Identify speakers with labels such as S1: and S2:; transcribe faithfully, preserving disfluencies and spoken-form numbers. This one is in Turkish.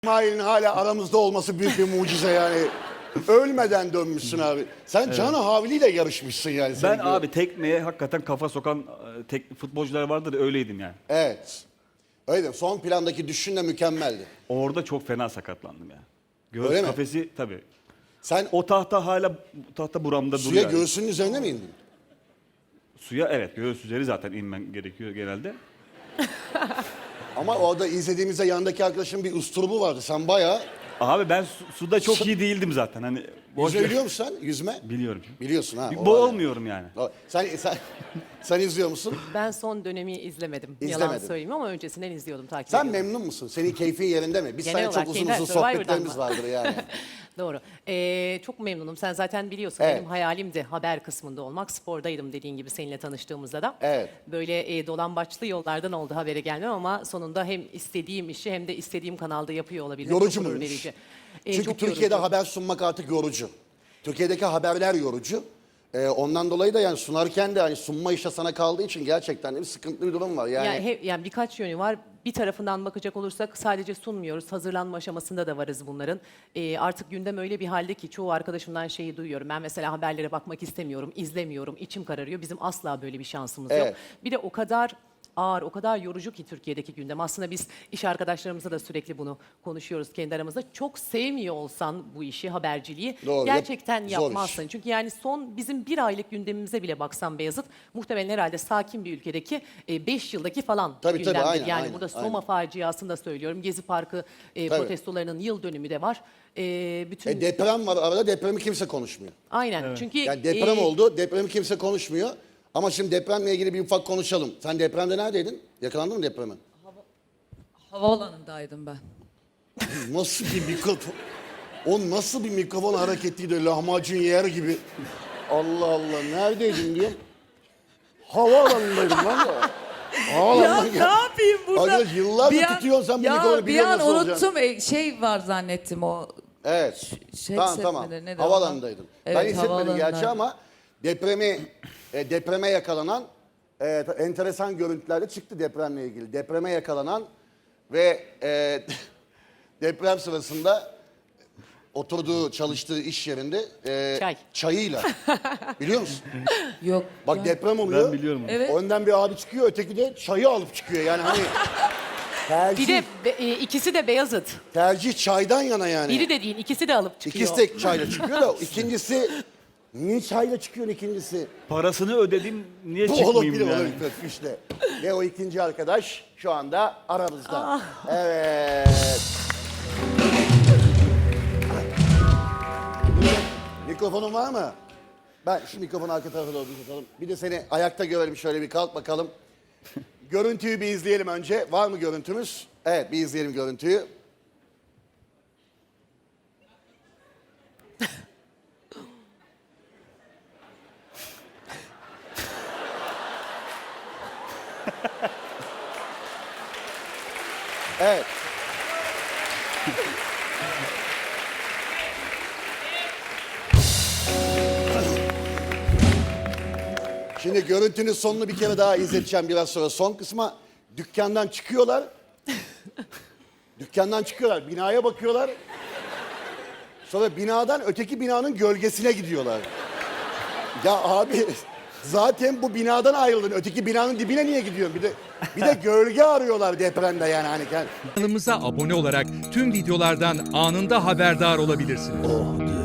S1: İsmail'in hala aramızda olması büyük bir mucize yani. Ölmeden dönmüşsün abi. Sen evet. Can Havli ile yarışmışsın yani.
S2: Ben abi gibi. Tekmeye hakikaten kafa sokan tek, futbolcular vardır, öyleydim yani.
S1: Evet. Öyle. Son plandaki düşüşün de mükemmeldi.
S2: Orada çok fena sakatlandım ya. Göğüs Öyle kafesi mi? Tabii.
S1: Sen
S2: o tahta hala tahta buramda
S1: suya
S2: duruyor.
S1: Suya göğsünün yani. Üzerine mi indin?
S2: Suya evet, göğüs üzeri zaten inmen gerekiyor genelde.
S1: Ama orada izlediğimizde yanındaki arkadaşın bir usturubu vardı. Sen bayağı...
S2: Abi ben su, suda çok Su... iyi değildim zaten. Hani
S1: Yüzme biliyor musun sen? Yüzme?
S2: Biliyorum.
S1: Biliyorsun ha.
S2: Boğulmuyorum yani.
S1: Sen, sen, sen izliyor musun?
S3: Ben son dönemi izlemedim. İzlemedim. Yalan söyleyeyim ama öncesinden izliyordum, takip
S1: Sen
S3: ediyordum.
S1: memnun musun? Senin keyfin yerinde mi? Biz seninle çok uzun uzun sohbetlerimiz vardır yani.
S3: Doğru. Ee, çok memnunum. Sen zaten biliyorsun evet. Benim hayalimdi haber kısmında olmak. Spordaydım dediğin gibi seninle tanıştığımızda da.
S1: Evet.
S3: Böyle e, dolambaçlı yollardan oldu habere gelmem ama sonunda hem istediğim işi hem de istediğim kanalda yapıyor olabilmek.
S1: Yorucu muymuş? Ee, Çünkü Türkiye'de yorucu. Haber sunmak artık yorucu. Türkiye'deki haberler yorucu. Ee, ondan dolayı da yani sunarken de hani sunma işte sana kaldığı için gerçekten de bir sıkıntılı bir durum var. Yani,
S3: yani, he, yani birkaç yönü var. Bir tarafından bakacak olursak sadece sunmuyoruz. Hazırlanma aşamasında da varız bunların. Ee, artık gündem öyle bir halde ki çoğu arkadaşımdan şeyi duyuyorum. Ben mesela haberlere bakmak istemiyorum, izlemiyorum, içim kararıyor. Bizim asla böyle bir şansımız
S1: evet.
S3: yok. Bir de o kadar ağır, o kadar yorucu ki Türkiye'deki gündem. Aslında biz iş arkadaşlarımızla da sürekli bunu konuşuyoruz kendi aramızda. Çok sevmiyor olsan bu işi, haberciliği
S1: Doğru,
S3: gerçekten
S1: yap,
S3: yapmazsın. Çünkü yani son bizim bir aylık gündemimize bile baksan Beyazıt, muhtemelen herhalde sakin bir ülkedeki e, beş yıldaki falan
S1: tabii,
S3: gündemdir.
S1: Tabii, aynen,
S3: yani
S1: aynen,
S3: burada Soma
S1: aynen.
S3: faciasını da söylüyorum. Gezi Parkı e, protestolarının yıl dönümü de var. E, bütün
S1: e, deprem var arada, depremi kimse konuşmuyor.
S3: Aynen. Evet. Çünkü
S1: yani deprem
S3: e,
S1: oldu, depremi kimse konuşmuyor. Ama şimdi depremle ilgili bir ufak konuşalım. Sen depremde neredeydin? Yakalandın mı depreme?
S4: Hava, havaalanındaydım ben.
S1: Nasıl bir mikrofon? O nasıl bir mikrofon hareketiydi, lahmacun yer gibi. Allah Allah, neredeydin diyorum. Havaalanındaydım lan da.
S4: Ya ne yapayım burada?
S1: Arkadaş yıllardır
S4: bir an,
S1: tutuyorsun sen bu
S4: ya,
S1: mikrofonu,
S4: bir an
S1: nasıl
S4: unuttum.
S1: olacaksın?
S4: Şey var zannettim o.
S1: Evet.
S4: Şey
S1: tamam tamam. Havaalanındaydın. Evet, ben hissetmedim gerçi ama depremi e, depreme yakalanan e, enteresan görüntüler de çıktı depremle ilgili. Depreme yakalanan ve e, deprem sırasında oturduğu, çalıştığı iş yerinde e,
S3: Çay.
S1: çayıyla. Biliyor musun?
S4: Yok.
S1: Bak
S4: ya.
S1: deprem oluyor.
S2: Ben biliyorum.
S4: Evet.
S1: Önden bir abi çıkıyor, öteki de çayı alıp çıkıyor. Yani hani tercih,
S3: bir de be, e, ikisi de Beyazıt.
S1: tercih çaydan yana yani.
S3: Biri de değil, ikisi de alıp çıkıyor.
S1: İkisi de çayla çıkıyor da ikincisi niye çayla çıkıyor ikincisi?
S2: Parasını ödedim, niye
S1: Bu
S2: çıkmayayım
S1: olabilir,
S2: yani?
S1: olabilir işte. Ve o ikinci arkadaş şu anda aramızda.
S3: Ah.
S1: Evet. Mikrofonun var mı? Ben şu mikrofonu arka tarafa doğru tutalım. Bir de seni ayakta görelim, şöyle bir kalk bakalım. Görüntüyü bir izleyelim önce. Var mı görüntümüz? Evet, bir izleyelim görüntüyü. Evet. Şimdi görüntünün sonunu bir kere daha izleteceğim biraz sonra. Son kısma dükkandan çıkıyorlar. Dükkandan çıkıyorlar, binaya bakıyorlar. Sonra binadan öteki binanın gölgesine gidiyorlar. Ya abi zaten bu binadan ayrıldın. Öteki binanın dibine niye gidiyorsun? Bir de bir de gölge arıyorlar depremde yani hani.
S5: Kanalımıza abone olarak tüm videolardan anında haberdar olabilirsiniz.
S1: Oh.